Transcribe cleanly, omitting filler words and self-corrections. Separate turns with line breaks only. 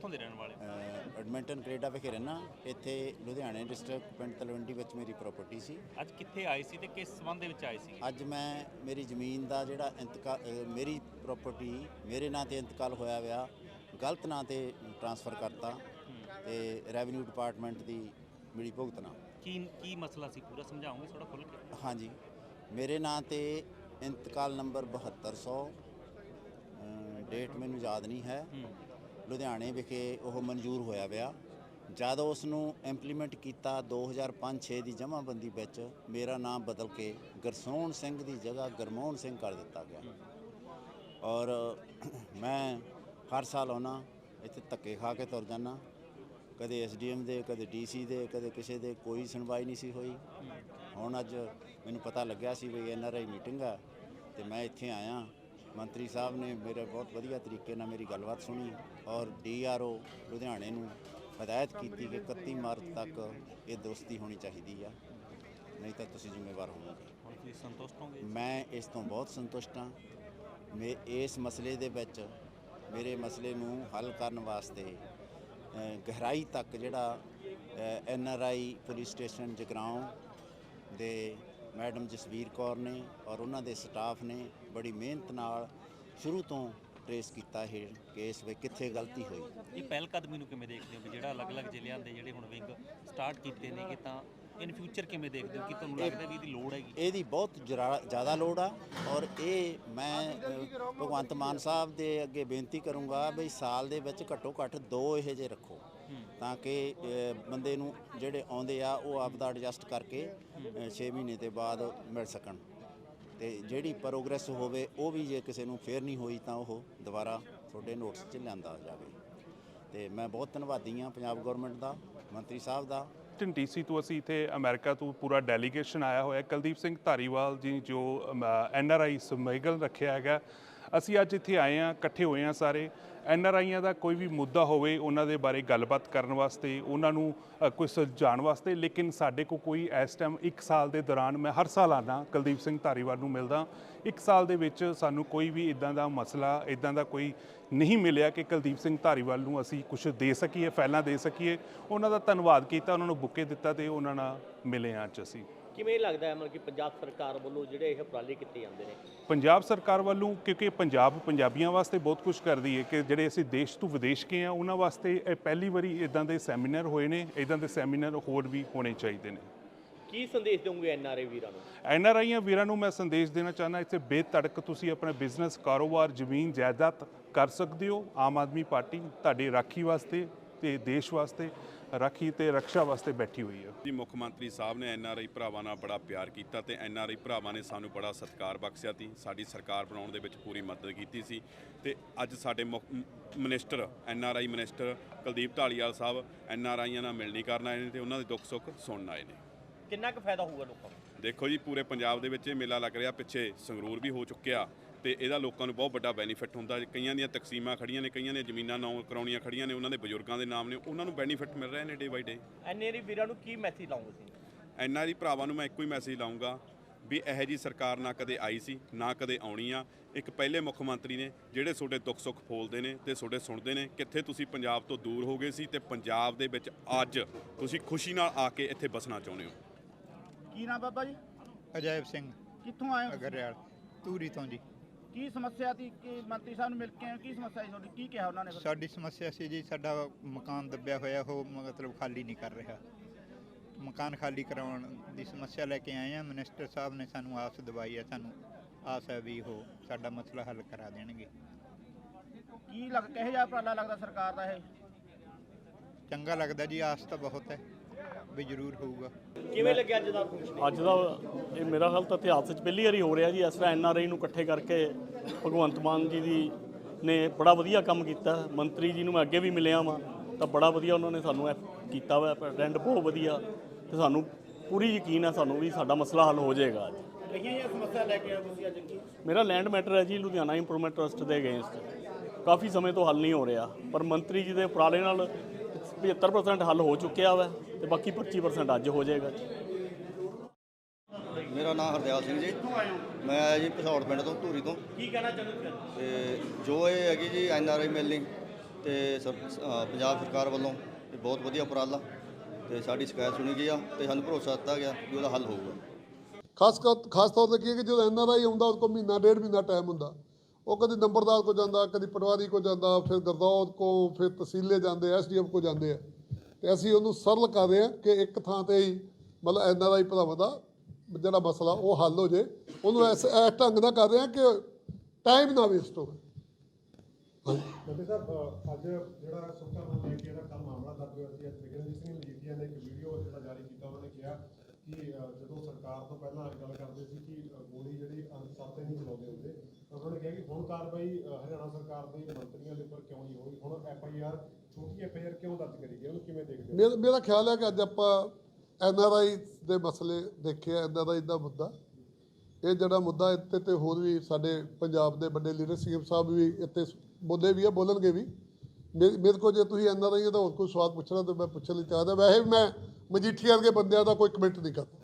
ਕਿੱਥੋਂ ਦੇ ਰਹਿਣ ਵਾਲੇ?
ਐਡਮਿੰਟਨ ਕੈਨੇਡਾ ਵਿਖੇ ਰਹਿਣਾ। ਇੱਥੇ ਲੁਧਿਆਣੇ ਡਿਸਟ੍ਰਿਕਟ ਪਿੰਡ ਤਲਵੰਡੀ ਵਿੱਚ ਮੇਰੀ ਪ੍ਰਾਪਰਟੀ ਸੀ।
ਅੱਜ ਕਿੱਥੇ ਆਏ ਸੀ ਤੇ ਕਿਸ ਸੰਬੰਧ ਦੇ ਵਿੱਚ ਆਏ ਸੀ?
ਅੱਜ ਮੈਂ ਮੇਰੀ ਜ਼ਮੀਨ ਦਾ ਜਿਹੜਾ ਮੇਰੀ ਪ੍ਰਾਪਰਟੀ ਮੇਰੇ ਨਾਂ ਤੇ ਇੰਤਕਾਲ ਹੋਇਆ ਵਿਆ ਗਲਤ ਨਾਂ ਤੇ ਟ੍ਰਾਂਸਫਰ ਕਰਤਾ ਤੇ ਰੈਵਨਿਊ ਡਿਪਾਰਟਮੈਂਟ ਦੀ ਮਿਲੀ ਭੁਗਤਣਾ।
ਕੀ ਮਸਲਾ ਸੀ, ਪੂਰਾ ਸਮਝਾਓਗੇ ਥੋੜਾ ਖੁੱਲ੍ਹ ਕੇ?
ਹਾਂਜੀ, ਮੇਰੇ ਨਾਂ ਤੇ ਇੰਤਕਾਲ ਨੰਬਰ 7200 ਡੇਟ ਮੈਨੂੰ ਯਾਦ ਨਹੀਂ ਹੈ, ਲੁਧਿਆਣੇ ਵਿਖੇ ਉਹ ਮਨਜ਼ੂਰ ਹੋਇਆ ਵਿਆ। ਜਦ ਉਸ ਨੂੰ ਇੰਪਲੀਮੈਂਟ ਕੀਤਾ 2005-6 ਦੀ ਜਮ੍ਹਾਂਬੰਦੀ ਵਿੱਚ ਮੇਰਾ ਨਾਮ ਬਦਲ ਕੇ ਗੁਰਸੋਹਣ ਸਿੰਘ ਦੀ ਜਗ੍ਹਾ ਗੁਰਮੋਹਨ ਸਿੰਘ ਕਰ ਦਿੱਤਾ ਗਿਆ। ਔਰ ਮੈਂ ਹਰ ਸਾਲ ਆਉਣਾ ਇੱਥੇ ਧੱਕੇ ਖਾ ਕੇ ਤੁਰ ਜਾਂਦਾ, ਕਦੇ SDM ਦੇ, ਕਦੇ DC ਦੇ, ਕਦੇ ਕਿਸੇ ਦੇ, ਕੋਈ ਸੁਣਵਾਈ ਨਹੀਂ ਸੀ ਹੋਈ। ਹੁਣ ਅੱਜ ਮੈਨੂੰ ਪਤਾ ਲੱਗਿਆ ਸੀ ਵੀ NRI ਮੀਟਿੰਗ ਆ ਤੇ ਮੈਂ ਇੱਥੇ ਆਇਆ। ਮੰਤਰੀ ਸਾਹਿਬ ਨੇ ਮੇਰੇ ਬਹੁਤ ਵਧੀਆ ਤਰੀਕੇ ਨਾਲ ਮੇਰੀ ਗੱਲਬਾਤ ਸੁਣੀ ਔਰ DRO ਲੁਧਿਆਣੇ ਨੂੰ ਹਦਾਇਤ ਕੀਤੀ ਕਿ 31 ਮਾਰਚ ਤੱਕ ਇਹ ਦੁਰਸਤੀ ਹੋਣੀ ਚਾਹੀਦੀ ਆ, ਨਹੀਂ ਤਾਂ ਤੁਸੀਂ ਜ਼ਿੰਮੇਵਾਰ ਹੋਵੋਗੇ।
ਹੁਣ ਤੁਸੀਂ ਸੰਤੁਸ਼ਟ ਹੋਗੇ?
ਮੈਂ ਇਸ ਤੋਂ ਬਹੁਤ ਸੰਤੁਸ਼ਟ ਹਾਂ। ਮੈਂ ਇਸ ਮਸਲੇ ਦੇ ਵਿੱਚ ਮੇਰੇ ਮਸਲੇ ਨੂੰ ਹੱਲ ਕਰਨ ਵਾਸਤੇ ਗਹਿਰਾਈ ਤੱਕ ਜਿਹੜਾ NRI ਪੁਲਿਸ ਸਟੇਸ਼ਨ ਜਗਰਾਓਂ ਦੇ ਮੈਡਮ ਜਸਵੀਰ ਕੌਰ ਨੇ ਔਰ ਉਹਨਾਂ ਦੇ ਸਟਾਫ ਨੇ ਬੜੀ ਮਿਹਨਤ ਨਾਲ ਸ਼ੁਰੂ ਤੋਂ ਟਰੇਸ ਕੀਤਾ ਇਹ ਕੇਸ ਵਿੱਚ ਕਿੱਥੇ ਗਲਤੀ ਹੋਈ।
ਇਹ ਪਹਿਲ ਕਦਮੀ ਨੂੰ ਕਿਵੇਂ ਦੇਖਦੇ ਹੋ ਵੀ ਜਿਹੜਾ ਅਲੱਗ-ਅਲੱਗ ਜ਼ਿਲ੍ਹਿਆਂ ਦੇ ਜਿਹੜੇ ਹੁਣ ਵਿੰਗ ਸਟਾਰਟ ਕੀਤੇ ਨੇ, ਕਿ ਤਾਂ ਇਨ ਫਿਊਚਰ ਕਿਵੇਂ ਦੇਖਦੇ ਹੋ ਕਿ ਤੁਹਾਨੂੰ ਲੱਗਦਾ ਵੀ ਇਹਦੀ ਲੋੜ ਹੈਗੀ?
ਇਹਦੀ ਬਹੁਤ ਜ਼ਿਆਦਾ ਲੋੜ ਆ ਔਰ ਇਹ ਮੈਂ ਭਗਵੰਤ ਮਾਨ ਸਾਹਿਬ ਦੇ ਅੱਗੇ ਬੇਨਤੀ ਕਰੂੰਗਾ ਵੀ ਸਾਲ ਦੇ ਵਿੱਚ ਘੱਟੋ ਘੱਟ 2 ਇਹੋ ਜਿਹੇ ਰੱਖੋ ਤਾਂ ਕਿ ਬੰਦੇ ਨੂੰ ਜਿਹੜੇ ਆਉਂਦੇ ਆ ਉਹ ਆਪਦਾ ਐਡਜਸਟ ਕਰਕੇ 6 ਮਹੀਨੇ ਦੇ ਬਾਅਦ ਮਿਲ ਸਕਣ ਤੇ ਜਿਹੜੀ ਪ੍ਰੋਗਰੈਸ ਹੋਵੇ ਉਹ ਵੀ ਜੇ ਕਿਸੇ ਨੂੰ ਫੇਰ ਨਹੀਂ ਹੋਈ ਤਾਂ ਉਹ ਦੁਬਾਰਾ ਤੁਹਾਡੇ ਨੋਟਿਸ 'ਚ ਲਿਆਂਦਾ ਜਾਵੇ। ਤੇ ਮੈਂ ਬਹੁਤ ਧੰਨਵਾਦੀ ਹਾਂ ਪੰਜਾਬ ਗੌਰਮੈਂਟ ਦਾ, ਮੰਤਰੀ ਸਾਹਿਬ ਦਾ।
DC ਤੋਂ ਅਸੀਂ ਇੱਥੇ ਅਮਰੀਕਾ ਤੋਂ ਪੂਰਾ ਡੈਲੀਗੇਸ਼ਨ ਆਇਆ ਹੋਇਆ। ਕੁਲਦੀਪ ਸਿੰਘ ਧਾਰੀਵਾਲ ਜੀ ਜੋ NRI ਸਮਗਲ ਰੱਖਿਆ ਹੈਗਾ, ਅਸੀਂ ਅੱਜ ਇੱਥੇ ਆਏ ਹਾਂ, ਇਕੱਠੇ ਹੋਏ ਹਾਂ ਸਾਰੇ। NRIਆਂ ਦਾ ਕੋਈ ਵੀ ਮੁੱਦਾ ਹੋਵੇ ਉਹਨਾਂ ਦੇ ਬਾਰੇ ਗੱਲਬਾਤ ਕਰਨ ਵਾਸਤੇ, ਉਹਨਾਂ ਨੂੰ ਕੋਈ ਸੁਲਝਾਉਣ ਵਾਸਤੇ। ਲੇਕਿਨ ਸਾਡੇ ਕੋਲ ਕੋਈ ਇਸ ਟਾਈਮ 1 ਸਾਲ ਦੇ ਦੌਰਾਨ, ਮੈਂ ਹਰ ਸਾਲ ਆਉਂਦਾ ਕੁਲਦੀਪ ਸਿੰਘ ਧਾਰੀਵਾਲ ਨੂੰ ਮਿਲਦਾ, 1 ਸਾਲ ਦੇ ਵਿੱਚ ਸਾਨੂੰ ਕੋਈ ਵੀ ਇੱਦਾਂ ਦਾ ਮਸਲਾ, ਇੱਦਾਂ ਦਾ ਕੋਈ ਨਹੀਂ ਮਿਲਿਆ ਕਿ ਕੁਲਦੀਪ ਸਿੰਘ ਧਾਰੀਵਾਲ ਨੂੰ ਅਸੀਂ ਕੁਝ ਦੇ ਸਕੀਏ, ਫਾਈਲਾਂ ਦੇ ਸਕੀਏ। ਉਹਨਾਂ ਦਾ ਧੰਨਵਾਦ ਕੀਤਾ, ਉਹਨਾਂ ਨੂੰ ਬੁੱਕੇ ਦਿੱਤਾ ਤੇ ਉਹਨਾਂ ਨਾਲ ਮਿਲੇ ਹਾਂ ਅੱਜ ਅਸੀਂ।
ਕਿਵੇਂ ਲੱਗਦਾ ਹੈ ਮਤਲਬ ਕਿ ਪੰਜਾਬ ਸਰਕਾਰ ਵੱਲੋਂ ਜਿਹੜੇ ਇਹ ਉਪਰਾਲੇ ਕੀਤੇ ਜਾਂਦੇ ਨੇ?
ਪੰਜਾਬ ਸਰਕਾਰ ਵੱਲੋਂ, ਕਿਉਂਕਿ ਪੰਜਾਬ ਪੰਜਾਬੀਆਂ ਵਾਸਤੇ ਬਹੁਤ ਕੁਝ ਕਰਦੀ ਹੈ ਕਿ ਜਿਹੜੇ ਅਸੀਂ ਦੇਸ਼ ਤੋਂ ਵਿਦੇਸ਼ ਗਏ ਆ ਉਹਨਾਂ ਵਾਸਤੇ ਇਹ ਪਹਿਲੀ ਵਾਰੀ ਇੱਦਾਂ ਦੇ ਸੈਮੀਨਾਰ ਹੋਏ ਨੇ। ਇੱਦਾਂ ਦੇ ਸੈਮੀਨਾਰ ਹੋਰ ਵੀ ਹੋਣੇ ਚਾਹੀਦੇ ਨੇ।
ਕੀ ਸੰਦੇਸ਼ ਦੇਵੋਗੇ NRI ਵੀਰਾਂ ਨੂੰ?
NRIਆਂ ਵੀਰਾਂ ਨੂੰ ਮੈਂ ਸੰਦੇਸ਼ ਦੇਣਾ ਚਾਹੁੰਦਾ, ਇੱਥੇ ਬੇਧੜਕ ਤੁਸੀਂ ਆਪਣਾ ਬਿਜ਼ਨਸ, ਕਾਰੋਬਾਰ, ਜ਼ਮੀਨ ਜਾਇਦਾਦ ਕਰ ਸਕਦੇ ਹੋ। ਆਮ ਆਦਮੀ ਪਾਰਟੀ ਤੁਹਾਡੀ ਰਾਖੀ ਵਾਸਤੇ ਤੇ ਦੇਸ਼ ਵਾਸਤੇ, ਰਾਖੀ ਤੇ ਰੱਖਿਆ ਵਾਸਤੇ ਬੈਠੀ ਹੋਈ ਹੈ
ਜੀ। ਮੁੱਖ ਮੰਤਰੀ ਸਾਹਿਬ ਨੇ NRI ਭਰਾਵਾਂ ਨਾਲ ਬੜਾ ਪਿਆਰ ਕੀਤਾ ਤੇ NRI ਭਰਾਵਾਂ ਨੇ ਸਾਨੂੰ ਬੜਾ ਸਤਿਕਾਰ ਬਖਸ਼ਿਆ ਸੀ, ਸਾਡੀ ਸਰਕਾਰ ਬਣਾਉਣ ਦੇ ਵਿੱਚ ਪੂਰੀ ਮਦਦ ਕੀਤੀ ਸੀ। ਤੇ ਅੱਜ ਸਾਡੇ minister, NRI minister Kuldeep Dhaliwal Sahib NRIਆਂ ਨਾਲ ਮਿਲਣੀ ਕਰਨ ਆਏ ਨੇ ਤੇ ਉਹਨਾਂ ਦੇ ਦੁੱਖ ਸੁੱਖ ਸੁਣਨ ਆਏ ਨੇ।
ਕਿੰਨਾ ਕੁ ਫਾਇਦਾ ਹੋਊਗਾ ਲੋਕਾਂ ਨੂੰ?
ਦੇਖੋ ਜੀ, ਪੂਰੇ ਪੰਜਾਬ ਦੇ ਵਿੱਚ ਇਹ ਮੇਲਾ ਲੱਗ ਰਿਹਾ, ਪਿੱਛੇ ਸੰਗਰੂਰ ਵੀ ਹੋ ਚੁੱਕਿਆ ਤੇ ਇਹਦਾ ਲੋਕਾਂ ਨੂੰ ਬਹੁਤ ਵੱਡਾ ਬੈਨੀਫਿਟ ਹੁੰਦਾ। ਕਈਆਂ ਦੀਆਂ ਤਕਸੀਮਾਂ ਖੜੀਆਂ ਨੇ, ਕਈਆਂ ਦੀਆਂ ਜ਼ਮੀਨਾਂ ਨਾਮ ਕਰਾਉਣੀਆਂ ਖੜੀਆਂ ਨੇ, ਉਹਨਾਂ ਦੇ ਬਜ਼ੁਰਗਾਂ ਦੇ ਨਾਮ ਨੇ, ਉਹਨਾਂ ਨੂੰ ਬੈਨੀਫਿਟ ਮਿਲ ਰਹੇ ਨੇ ਡੇ ਬਾਈ ਡੇ।
NRI ਵੀਰਾਂ ਨੂੰ ਕੀ ਮੈਸੇਜ ਲਾਉਂਗੇ ਤੁਸੀਂ?
NRI ਭਰਾਵਾਂ ਨੂੰ ਮੈਂ ਇੱਕੋ ਹੀ ਮੈਸੇਜ ਲਾਉਂਗਾ ਵੀ ਇਹੋ ਜਿਹੀ ਸਰਕਾਰ ਨਾ ਕਦੇ ਆਈ ਸੀ, ਨਾ ਕਦੇ ਆਉਣੀ ਆ। ਇੱਕ ਪਹਿਲੇ ਮੁੱਖ ਮੰਤਰੀ ਨੇ ਜਿਹੜੇ ਤੁਹਾਡੇ ਦੁੱਖ ਸੁੱਖ ਫੋਲਦੇ ਨੇ ਤੇ ਤੁਹਾਡੇ ਸੁਣਦੇ ਨੇ। ਕਿੱਥੇ ਤੁਸੀਂ ਪੰਜਾਬ ਤੋਂ ਦੂਰ ਹੋ ਗਏ ਸੀ ਤੇ ਪੰਜਾਬ ਦੇ ਵਿੱਚ ਅੱਜ ਤੁਸੀਂ ਖੁਸ਼ੀ ਨਾਲ ਆ ਕੇ ਇੱਥੇ ਬਸਣਾ ਚਾਹੁੰਦੇ ਹੋ।
ਕੀ ਨਾਮ ਬਾਬਾ ਜੀ?
ਅਜੈਬ ਸਿੰਘ।
ਕਿੱਥੋਂ ਆਏ ਹੋ?
ਅਗਰਿਆਲ ਧੂਰੀ ਤੋਂ ਜੀ।
ਕੀ ਸਮੱਸਿਆ ਸੀ ਕਿ ਮੰਤਰੀ ਸਾਹਿਬ ਨੂੰ ਮਿਲ ਕੇ ਆਏ? ਕੀ ਸਮੱਸਿਆ ਸੀ ਤੁਹਾਡੀ? ਕੀ ਕਿਹਾ ਉਹਨਾਂ ਨੇ?
ਸਾਡੀ ਸਮੱਸਿਆ ਸੀ ਜੀ, ਸਾਡਾ ਮਕਾਨ ਦੱਬਿਆ ਹੋਇਆ, ਉਹ ਮਤਲਬ ਖਾਲੀ ਨਹੀਂ ਕਰ ਰਿਹਾ। ਮਕਾਨ ਖਾਲੀ ਕਰਾਉਣ ਦੀ ਸਮੱਸਿਆ ਲੈ ਕੇ ਆਏ ਹਾਂ। ਮਿਨਿਸਟਰ ਸਾਹਿਬ ਨੇ ਸਾਨੂੰ ਆਸ ਦਿਵਾਈ ਹੈ, ਸਾਨੂੰ ਆਸ ਹੈ ਵੀ ਉਹ ਸਾਡਾ ਮਸਲਾ ਹੱਲ ਕਰਾ ਦੇਣਗੇ।
ਕਿਹੋ ਜਿਹਾ ਉਪਰਾਲਾ ਲੱਗਦਾ ਸਰਕਾਰ ਦਾ ਇਹ?
ਚੰਗਾ ਲੱਗਦਾ ਜੀ, ਆਸ ਤਾਂ ਬਹੁਤ ਹੈ ਵੀ ਜ਼ਰੂਰ ਹੋਊਗਾ।
ਕਿਵੇਂ ਲੱਗਿਆ ਅੱਜ ਦਾ?
ਅੱਜ ਦਾ ਇਹ ਮੇਰਾ ਖਿਆਲ ਤਾਂ ਇਤਿਹਾਸ ਵਿੱਚ ਪਹਿਲੀ ਵਾਰੀ ਹੋ ਰਿਹਾ ਜੀ ਇਸ ਤਰ੍ਹਾਂ NRI ਨੂੰ ਇਕੱਠੇ ਕਰਕੇ। ਭਗਵੰਤ ਮਾਨ ਜੀ ਦੀ ਨੇ ਬੜਾ ਵਧੀਆ ਕੰਮ ਕੀਤਾ। ਮੰਤਰੀ ਜੀ ਨੂੰ ਮੈਂ ਅੱਗੇ ਵੀ ਮਿਲਿਆ ਵਾਂ ਤਾਂ ਬੜਾ ਵਧੀਆ ਉਹਨਾਂ ਨੇ ਸਾਨੂੰ ਕੀਤਾ ਵਾ, ਪ੍ਰੈਜ਼ੀਡੈਂਟ ਬਹੁਤ ਵਧੀਆ, ਤੇ ਸਾਨੂੰ ਪੂਰੀ ਯਕੀਨ ਹੈ ਸਾਨੂੰ ਵੀ ਸਾਡਾ ਮਸਲਾ ਹੱਲ ਹੋ ਜਾਏਗਾ। ਅੱਜ
ਇਹ ਸਮੱਸਿਆ ਲੈ ਕੇ ਆਏ ਤੁਸੀਂ ਅੱਜ?
ਮੇਰਾ ਲੈਂਡ ਮੈਟਰ ਹੈ ਜੀ, ਲੁਧਿਆਣਾ ਇੰਪਰੂਵਮੈਂਟ ਟਰਸਟ ਦੇ ਅਗੇਂਸਟ। ਕਾਫੀ ਸਮੇਂ ਤੋਂ ਹੱਲ ਨਹੀਂ ਹੋ ਰਿਹਾ, ਪਰ ਮੰਤਰੀ ਜੀ ਦੇ ਉਪਰਾਲੇ ਨਾਲ 75% ਹੱਲ ਹੋ ਚੁੱਕਿਆ ਵਾ ਤੇ ਬਾਕੀ 25% ਅੱਜ ਹੋ ਜਾਏਗਾ।
ਮੇਰਾ ਨਾਮ ਹਰਦਿਆਲ ਸਿੰਘ ਜੀ, ਮੈਂ ਆਇਆ ਜੀ ਭਸੌੜ ਪਿੰਡ ਤੋਂ, ਧੂਰੀ ਤੋਂ।
ਕੀ ਕਹਿਣਾ ਚਾਹੁੰਦੇ ਹੋ?
ਤੇ ਜੋ ਇਹ ਹੈਗੀ ਜੀ NRI ਮਿਲਣੀ, ਤੇ ਪੰਜਾਬ ਸਰਕਾਰ ਵੱਲੋਂ ਇਹ ਬਹੁਤ ਵਧੀਆ ਉਪਰਾਲਾ ਤੇ ਸਾਡੀ ਸ਼ਿਕਾਇਤ ਸੁਣੀ ਗਈ ਆ ਤੇ ਸਾਨੂੰ ਭਰੋਸਾ ਦਿੱਤਾ ਗਿਆ ਕਿ ਉਹਦਾ ਹੱਲ ਹੋਊਗਾ।
ਖਾਸ ਤੌਰ 'ਤੇ ਕੀ ਹੈ ਕਿ ਜਦੋਂ NRI ਆਉਂਦਾ ਉਹ ਕੋਲ ਮਹੀਨਾ ਡੇਢ ਮਹੀਨਾ ਟਾਈਮ ਹੁੰਦਾ, ਉਹ ਕਦੀ ਨੰਬਰਦਾਰ ਕੋ ਜਾਂਦਾ, ਕਦੀ ਪਟਵਾਰੀ ਕੋ ਜਾਂਦਾ, ਫਿਰ ਗਰਦੌਤ ਕੋ, ਫਿਰ ਤਹਿਸੀਲੇ ਜਾਂਦੇ, SDM ਕੋ ਜਾਂਦੇ ਆ। ਤੇ ਅਸੀਂ ਉਹਨੂੰ ਸਰਲ ਕਰ ਰਹੇ ਹਾਂ ਕਿ ਇੱਕ ਥਾਂ ਤੇ ਹੀ ਮਤਲਬ NRI ਭਰਾਵਾਂ ਦਾ ਜਿਹੜਾ ਮਸਲਾ ਉਹ ਹੱਲ ਹੋ ਜੇ। ਉਹਨੂੰ ਇਸ ਢੰਗ ਨਾਲ ਕਰ ਰਹੇ ਹਾਂ ਕਿ ਟਾਈਮ ਨਾ ਵੇਸਟ ਹੋਵੇ।
ਮੰਤਰੀ ਸਾਹਿਬ, ਅੱਜ ਜਿਹੜਾ ਸੁੱਕਾ ਨੂੰ ਲੈ ਕੇ ਇਹਦਾ ਕੱਲ੍ਹ ਮਾਮਲਾ ਦਰਜ ਹੋਇਆ ਸੀ, ਤ੍ਰਿਗਨਜੀਤ ਸਿੰਘ ਮਜੀਠੀਆ ਨੇ ਇੱਕ ਵੀਡੀਓ ਜਿਹੜਾ ਜਾਰੀ ਕੀਤਾ, ਉਹਨਾਂ ਨੇ ਕਿਹਾ ਕਿ ਜਦੋਂ ਸਰਕਾਰ ਤੋਂ ਪਹਿਲਾਂ ਗੱਲ ਕਰਦੇ ਸੀ ਕਿ ਗੋਲੀ ਜਿਹੜੀ ਅਨਸਰ ਤੇ ਨਹੀਂ ਚਲਾਉਂਦੇ ਹੁੰਦੇ, ਉਹਨਾਂ ਨੇ ਕਿਹਾ ਕਿ ਹੁਣ ਕਾਰਵਾਈ ਹਰਿਆਣਾ ਸਰਕਾਰ ਦੇ ਮੰਤਰੀਆਂ ਦੇ ਉੱਪਰ ਕਿਉਂ ਨਹੀਂ ਹੋਈ, ਹੁਣ FIR ਛੋਟੀ FIR ਕਿਉਂ ਦਰਜ ਕਰੀ ਗਈ, ਉਹਨੂੰ ਕਿਵੇਂ ਦੇਖਦੇ ਹੋ?
ਮੇਰਾ ਖਿਆਲ ਹੈ ਕਿ ਅੱਜ ਆਪਾਂ NRI ਦੇ ਮਸਲੇ ਦੇਖਿਆ, NRI ਦਾ ਮੁੱਦਾ, ਇਹ ਜਿਹੜਾ ਮੁੱਦਾ ਇੱਥੇ ਤੇ ਹੋਰ ਵੀ ਸਾਡੇ ਪੰਜਾਬ ਦੇ ਵੱਡੇ ਲੀਡਰ CM ਸਾਹਿਬ ਵੀ ਇੱਥੇ ਬੋਲੇ ਵੀ ਆ, ਬੋਲਣਗੇ ਵੀ। ਮੇਰੇ ਕੋਲ ਜੇ ਤੁਸੀਂ NRI ਦਾ ਹੋਰ ਕੋਈ ਸਵਾਲ ਪੁੱਛਣਾ ਤਾਂ ਮੈਂ ਪੁੱਛਣ ਲਈ ਤਿਆਰ ਹਾਂ। ਵੈਸੇ ਮੈਂ ਮਜੀਠੀਆ ਵਰਗੇ ਬੰਦਿਆਂ ਦਾ ਕੋਈ ਕਮੈਂਟ ਨਹੀਂ ਕਰਦਾ।